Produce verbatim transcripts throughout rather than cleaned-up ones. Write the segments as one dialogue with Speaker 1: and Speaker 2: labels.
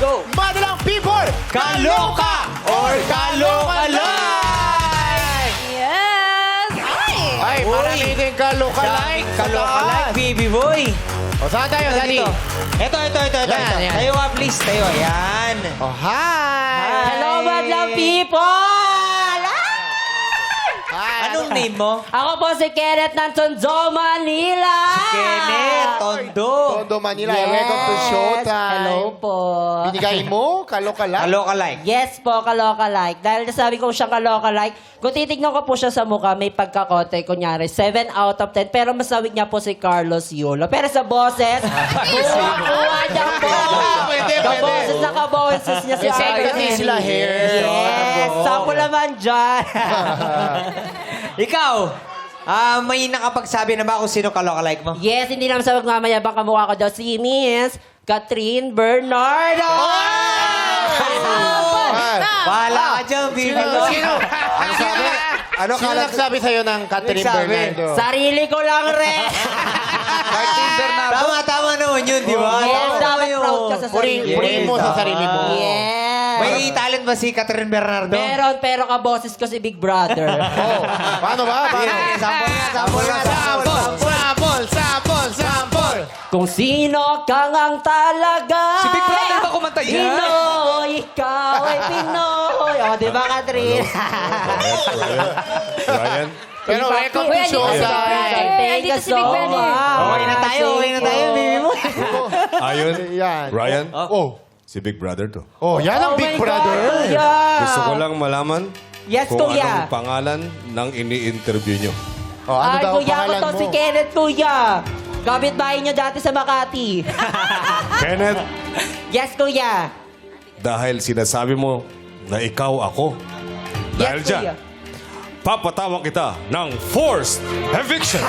Speaker 1: So,
Speaker 2: Madalang people,
Speaker 1: kaloka or kalokalike!
Speaker 3: Yes! Ay!
Speaker 2: Ay, marami din kaloka-like.
Speaker 1: Kalokalike, baby boy.
Speaker 2: O, saan tayo, Daddy?
Speaker 1: Ito, ito, ito, ito. ito.
Speaker 2: Yan, yan.
Speaker 1: Tayo nga, please. Tayo, yan.
Speaker 2: Oh, hi!
Speaker 4: Hello, madlang people!
Speaker 2: Hi!
Speaker 1: Anong name mo?
Speaker 4: Ako po si Kenneth ng Tondo, Manila!
Speaker 1: Kenneth Tondo.
Speaker 2: Tondo, Manila. Welcome to Showtime.
Speaker 4: Hello po.
Speaker 2: Binigay mo, kaloka-like?
Speaker 1: Kalokalike.
Speaker 4: Yes po, kaloka-like. Dahil nasabi ko siyang kaloka-like, kung titignan ko po siya sa mukha, may pagkakote, kunyari, seven out of ten. Pero masawig niya po si Carlos Yulo. Pero sa boses, kuha niya po.
Speaker 2: Pwede, pwede.
Speaker 4: Kaboses na kaboses niya si
Speaker 2: Kasi
Speaker 4: Carlos.
Speaker 2: hindi sila hair.
Speaker 4: Yes, sample naman dyan.
Speaker 1: Ikaw, ah, may nakapagsabi na ba kung sino kalokalike mo?
Speaker 4: Yes, hindi naman sa magmamayabang kamukha ko daw si Miss Catherine Bernardo.
Speaker 1: Bahala ka dyan, baby
Speaker 2: Sino?
Speaker 1: boy.
Speaker 2: Sino? Ano sabi? Ano Sino nagsabi sa'yo ng Catherine
Speaker 1: Nagsabi?
Speaker 2: Bernardo?
Speaker 4: Sarili ko lang rin.
Speaker 1: Martin Bernardo. Tama, tama naman yun, di ba?
Speaker 4: Yes,
Speaker 1: Tama
Speaker 4: dapat
Speaker 1: yun.
Speaker 4: proud ka sa
Speaker 2: Puri,
Speaker 4: sarili.
Speaker 2: purihin mo sa sarili mo.
Speaker 4: Yes.
Speaker 1: May talent ba si Catherine Bernardo?
Speaker 4: Meron, pero kaboses ko si Big Brother.
Speaker 2: Oh, paano ba? Paano?
Speaker 1: Sige, sample nga, sample nga, sample.
Speaker 2: Sample, sample, sample.
Speaker 4: Kung sino ka ngang talaga.
Speaker 1: Si Big Brother ba kumanta yan?
Speaker 4: Pinoy, ikaw ay Pinoy. O, di ba, Catherine?
Speaker 5: Ryan?
Speaker 2: Pero welcome to
Speaker 3: Kuya, dito si Big
Speaker 2: Showtime.
Speaker 3: Brother.
Speaker 4: Thank you
Speaker 3: Nandito si
Speaker 4: so
Speaker 3: Big Brother.
Speaker 4: much.
Speaker 1: Okay na tayo, okay na tayo, baby mo.
Speaker 5: Ayun?
Speaker 2: Yan.
Speaker 5: Ryan?
Speaker 2: Oh.
Speaker 5: Si Big Brother to.
Speaker 2: Oh, yan ang
Speaker 4: Oh
Speaker 2: Big
Speaker 4: my
Speaker 2: Brother.
Speaker 4: God, kuya.
Speaker 5: Gusto ko lang malaman
Speaker 4: Yes,
Speaker 5: kung
Speaker 4: kuya.
Speaker 5: anong pangalan ng ini-interview nyo.
Speaker 2: Oh, ano
Speaker 4: Ay,
Speaker 2: daw
Speaker 4: kuya ko
Speaker 2: pangalan
Speaker 4: to
Speaker 2: mo?
Speaker 4: si Kenneth, kuya. Kapit-bahay niyo dati sa Makati.
Speaker 5: Kenneth,
Speaker 4: Yes, kuya.
Speaker 5: dahil sinasabi mo na ikaw ako, dahil
Speaker 4: Yes,
Speaker 5: dyan,
Speaker 4: kuya.
Speaker 5: papatawag kita ng forced eviction.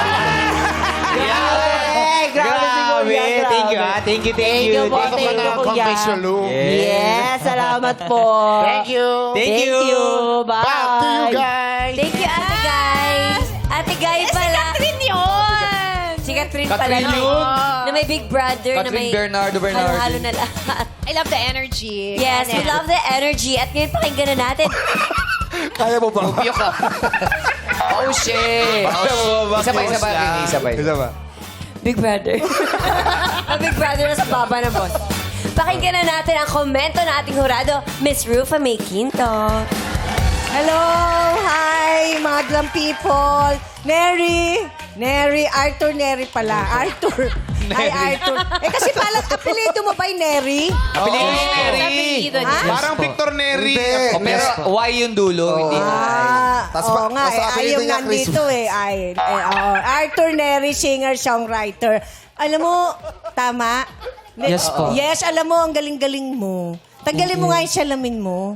Speaker 4: Hey, grabe si kuya.
Speaker 1: Grabe. Thank you,
Speaker 4: grabe.
Speaker 1: ah. Thank you, thank
Speaker 4: Thank
Speaker 1: you.
Speaker 4: you po,
Speaker 2: Pasok ka
Speaker 4: thank
Speaker 2: na
Speaker 4: you,
Speaker 2: ang
Speaker 4: kuya.
Speaker 2: confession room.
Speaker 4: Yes, salamat po.
Speaker 2: Thank you.
Speaker 1: Thank you.
Speaker 4: Bye.
Speaker 2: Back to you guys.
Speaker 3: Thank you, Ate Guy. Ate Guy pala. Si Catherine yun! Si Catherine pala.
Speaker 1: Catherine
Speaker 3: na-
Speaker 1: yun?
Speaker 3: Na may Big Brother. na may
Speaker 1: Catherine Bernardo Bernardo.
Speaker 3: Halo-halo na lahat.
Speaker 6: I love the energy.
Speaker 3: Yes, we love the energy. At ngayon pakinggan na natin.
Speaker 1: Kaya mo ba? Bubiyok ka. Oh, shit. Isa pa, isa pa. Isa pa. Isa pa.
Speaker 3: Big Brother. Ang Big Brother na sa baba ng boss. Pakinggan na natin ang komento ng ating hurado, Miss Rufa May Quinto.
Speaker 7: Hello! Hi, madlang people! Neri! Neri, Arthur Neri pala. Arthur. Hi, Arthur. Eh kasi palang apelido mo ba yung Neri?
Speaker 1: Apelido ni Neri.
Speaker 6: Apelido
Speaker 7: Ha?
Speaker 6: niya.
Speaker 2: Parang Victor Neri.
Speaker 1: Oh, pero Y yung dulo, hindi I.
Speaker 7: Ah,
Speaker 8: Tas
Speaker 7: oo
Speaker 8: pa-
Speaker 7: nga,
Speaker 8: tas
Speaker 7: eh,
Speaker 8: apelido
Speaker 7: ayaw
Speaker 8: niya
Speaker 7: nandito eh. Ay, eh, oo. Arthur Neri, singer-songwriter. Alam mo, tama? Ne-
Speaker 1: Yes po.
Speaker 7: Yes, alam mo, ang galing-galing mo. Tanggalin mo nga yung salamin mo.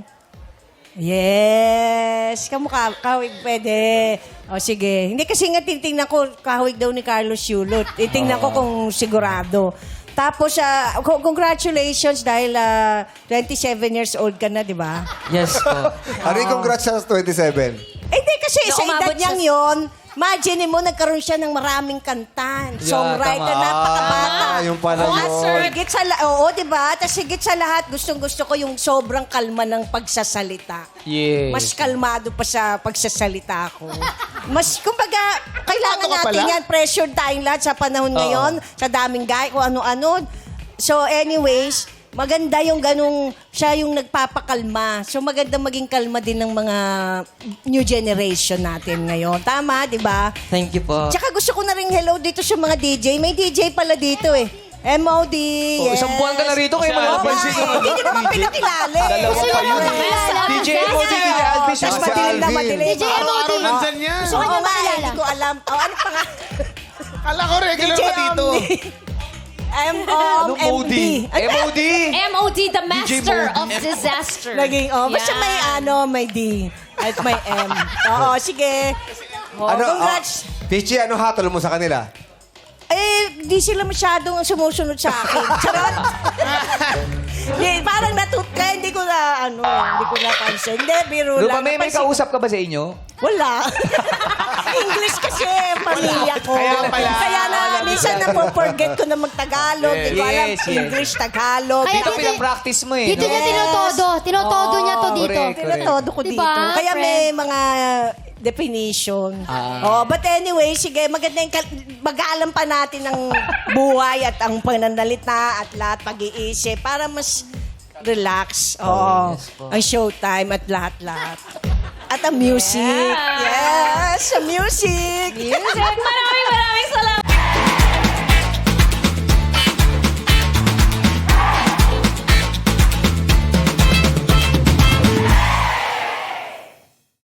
Speaker 7: Yes. Kamukha, kahawig pwede. O sige. Hindi kasi nga titingnan ko, kahawig daw ni Carlos Yulot. Titingnan ko kung sigurado. Tapos, ah, co- congratulations dahil ah, twenty-seven years old ka na, di ba?
Speaker 1: Yes po.
Speaker 8: Ano yung congrats sa twenty-seven?
Speaker 7: Eh, di kasi
Speaker 3: Na
Speaker 7: sa
Speaker 3: umabot
Speaker 7: edad niyang
Speaker 3: siya-
Speaker 7: yon, imagine mo, nagkaroon siya ng maraming kantan. Songwriter,
Speaker 1: tama.
Speaker 7: napakabata.
Speaker 8: Ah, yung pala
Speaker 7: Oo,
Speaker 8: yun.
Speaker 7: sir. Higit sa, la- oo, di ba? Tapos higit sa lahat, gustong-gusto ko yung sobrang kalma ng pagsasalita.
Speaker 1: Yes.
Speaker 7: Mas kalmado pa sa pagsasalita ko. Mas, kumbaga, kailangan
Speaker 2: Kalmado ka
Speaker 7: natin
Speaker 2: pala?
Speaker 7: yan. Pressured tayong lahat sa panahon ngayon, sa daming guy, kung ano-ano. So, anyways, maganda yung ganung, siya yung nagpapakalma. So, maganda maging kalma din ng mga new generation natin ngayon. Tama, di ba?
Speaker 1: Thank you po.
Speaker 7: Tsaka gusto ko na rin hello dito sa mga D J. May D J pala dito eh. M O D,
Speaker 1: Oh,
Speaker 7: yes.
Speaker 1: isang buwan ka na rito, kayo
Speaker 7: Oo nga
Speaker 1: malapansin
Speaker 7: eh.
Speaker 1: yung ano,
Speaker 7: Hindi naman pinakilala eh.
Speaker 1: Dalawa
Speaker 7: Kasi
Speaker 1: pa yun.
Speaker 7: naman kilala.
Speaker 1: D J M O D, D J Alvin siya.
Speaker 7: Tapos
Speaker 8: Si
Speaker 7: madilim na
Speaker 8: Alvin.
Speaker 7: madilim.
Speaker 3: D J M O D.
Speaker 2: Araw-araw nandyan yan.
Speaker 7: Gusto ko nga eh, hindi ko alam. Oh, ano pa nga?
Speaker 2: Kala ko regular
Speaker 7: D J
Speaker 2: pa dito.
Speaker 7: M O M D.
Speaker 1: M O D.
Speaker 6: M O D, the master of disaster.
Speaker 7: Naging, oh, basta
Speaker 6: Yan.
Speaker 7: may ano, may D. At may M. Oo, sige. Oh,
Speaker 8: Ano,
Speaker 7: congrats.
Speaker 8: oh, Pichi, ano hatol mo sa kanila?
Speaker 7: Eh, di sila masyadong sumusunod sa akin. Charot! Di, parang natut kaya hindi ko na, ano, hindi ko napansin. Hindi, biro
Speaker 1: Rupa,
Speaker 7: lang.
Speaker 1: may, may
Speaker 7: Napansin-
Speaker 1: kausap ka ba sa inyo?
Speaker 7: Wala. English kasi, pamilya ko.
Speaker 2: Kaya pala.
Speaker 7: Kaya na, minsan napo-forget ko na mag-Tagalog. Hindi ko alam,
Speaker 1: Yes, yes.
Speaker 7: English, Tagalog.
Speaker 6: Kaya
Speaker 1: Dito
Speaker 6: dito-
Speaker 1: pinapractice mo eh.
Speaker 6: Dito
Speaker 1: no?
Speaker 6: niya tinotodo. Tinotodo niya to dito.
Speaker 1: correct.
Speaker 7: Tinatodo ko
Speaker 6: Diba,
Speaker 7: dito. Kaya may
Speaker 6: friend?
Speaker 7: mga definition.
Speaker 1: Ah.
Speaker 7: Oh, but anyway, sige, maganda yung kal- mag-aalam pa natin ng buhay at ang pananalita at lahat pag-iisip para mas relax. Oh, ang showtime at lahat-lahat. At ang music. Yes, ang music.
Speaker 3: Music! Maraming maraming